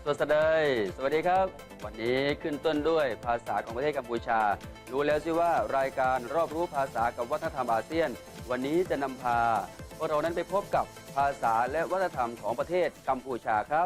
สวัสดีครับวันนี้ขึ้นต้นด้วยภาษาของประเทศกัมพูชารู้แล้วสิว่ารายการรอบรู้ภาษากับวัฒนธรรมอาเซียนวันนี้จะนำพาพวกเรานั้นไปพบกับภาษาและวัฒนธรรมของประเทศกัมพูชาครับ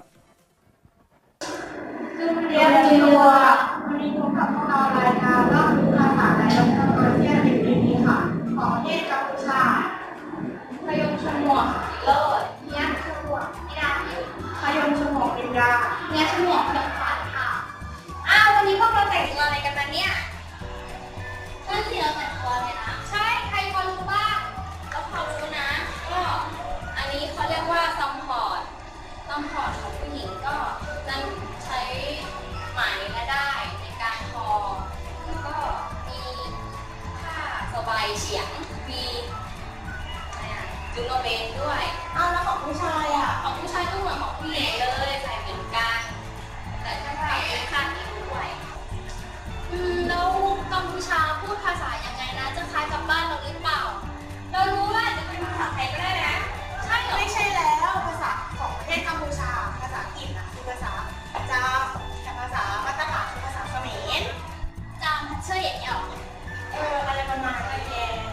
เรียนจิววันนี้พบกับพวกเรารายการรอบรู้ภาษาและวัฒนธรรมอาเซียนในปีนี้ค่ะของประเทศกัมพูชาพยงชมวกเลิศเนี้ยชมวกนิดาพยงชมวกนิดาเนี้ยชมวกเลิศค่ะวันนี้พวกเราแต่งตัวอะไรกันมาเนี่ยนั่นสิเราแต่งตัวเลยนะใช่ใครพอรู้บ้างเราพอรู้นะก็อันนี้เขาเรียกว่าซัมพอร์ตของผู้หญิงก็จะใช้ไหมและได้ในการทอแล้วก็มีผ้าสบายเฉียงมีจุโนเบนด้วยแล้วของผู้ชายของผู้ชายก็เหมือนของผู้หญิงเลยใส่เหมือนกันแต่ถ้าเราเป็นคาดนี้ด้วยแล้วกัมพูชาพูดภาษายังไงนะจะคล้ายกับบ้านเราหรือเปล่าเรารู้ว่าจะเป็นภาษาไทยก็ได้นะใช่หรอไม่ใช่แล้วภาษาของประเทศกัมพูชาภาษาอังกฤษคือภาษาจามแต่ภาษามาตรฐานคือภาษาเขมรจามเชื่ออย่างเงี้ยอะไรประมาณนี้เอง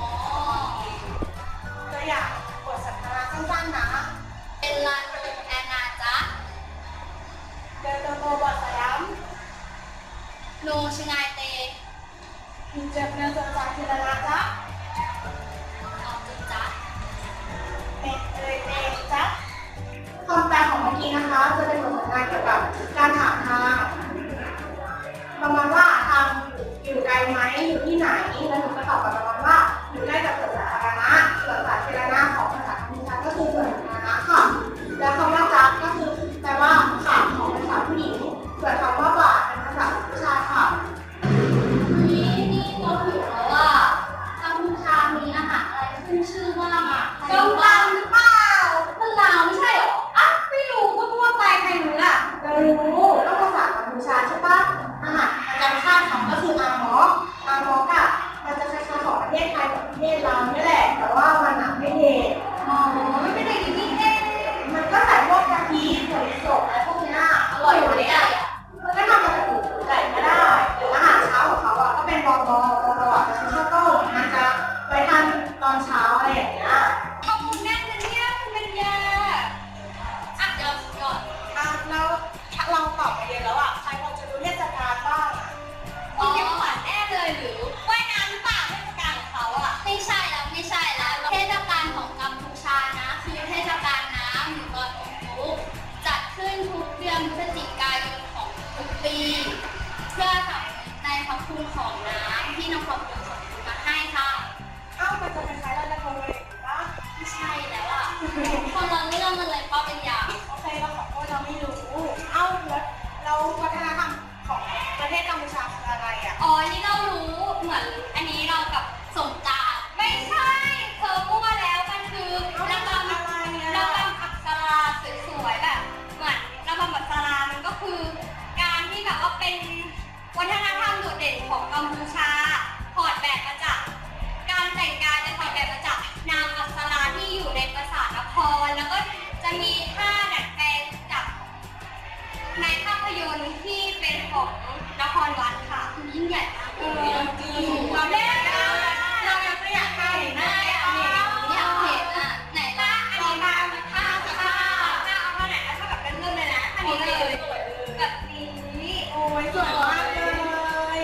ตัวอย่างบทสนทนาสั้นๆนะเป็นลานโรงแอนนาจ๊ะเดินโตบอดสยามโนชงายเตมีเจ็บเนื้อตัวจากทีละนะจ๊ะเอาจริงจ๊ะเป็นเลยเตจ๊ะคำแปลของเมื่อกี้นะคะจะเป็นบทสนทนาเกี่ยวกับการถามทางประมาณว่าทางอยู่ไกลไหมอยู่ที่ไหนแล้วหนูก็ตอบประมาณว่าอยู่ใกล้กับสวนสาธารณะสวนสาธารณะของภาษากัมพูชาก็คือสวนสาธารณะค่ะแล้วคำว่าจ๊ะก็คือแปลว่าขาของภาษาผู้หญิงส่วนคำว่าบาทเป็นภาษาผู้ชายค่ะนี่เราถือว่ากัมพูชามีอาหารอะไรขึ้นชื่อว่าส้มตำหรือเปล่าเป็นลาวไม่ใช่หรอไม่รู้ก็พูดไปใครรู้ล่ะเรารู้ก็ภาษากัมพูชาใช่ปะอาหารประจำชาติของก็คืออาหมอกมันจะคล้ายๆของประเทศไทยกับประเทศลาวนี่แหละแต่ว่ามันไม่เด็ดไม่เป็นเด็ดที่เด็ดมันก็ใส่พวกกะทิถั่วลิสงอะไรพวกนี้อร่อยอยู่เลยมันก็ทำมาจากหมูไก่ก็ได้หรืออาหารเช้าของเขาก็เป็นบอจะใช้ข้าวต้มมันจะไว้ทานตอนเช้าอะไรอย่างเงี้ยข้าวมันแน่นเลยเนี่ยคุณเป็นยาเดี๋ยวก่อนแล้วเราตอบไปเยอะแล้วใครพอจะรู้เทศกาลบ้างคุณยังขวัญแน่เลยหรือว่ายน้ำหรือเปล่าเทศกาลของเขาไม่ใช่แล้วเทศกาลของกัมพูชานะคือเทศกาลน้ำหรือลอยกระทงจัดขึ้นทุกเดือนพฤศจิกายนของทุกปีเพื่อสำนึกในพระคุณของน้ำที่นครพนมส่งมาให้ค่ะมันจะเป็นคล้ายลอยกระทงเลยปะไม่ใช่แล้วคนละเรื่องมันเลยป้าเป็นยาโอเคเราขอโทษเราไม่รู้แล้วเราวัฒนธรรมของประเทศกัมพูชาคืออะไรนี่เรารู้เหมือนอันนี้เรากับสงกรานต์ไม่ใช่เธอมั่วแล้วมันคือระบำอักษราสวยๆแบบเหมือนระบำอักษรามันก็คือการที่แบบว่าเป็นวัฒนธรรมโดดเด่นของกัมพูชาถอดแบบมาจากการแต่งกายจะถอดแบบมาจากนางอักษราที่อยู่ในปราสาทนครแล้วก็จะมีท่าดัดแปลงจากในภาพยนตร์ที่เป็นของนครวัดค่ะยิ่งใหญ่มากเราได้เราอยากเห็นหน้าอยากเห็นไหนล่ะอันนี้มาท่าเอาไหนถ้าแบบเป็นเรื่องเลยนะอันนี้เลยแบบนี้โอ้ยสวยมากเลย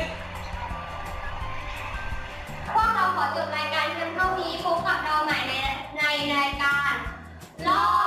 พวกเราขอจบรายการเพียงเท่านี้พบกับเราใหม่ในรายการรอบ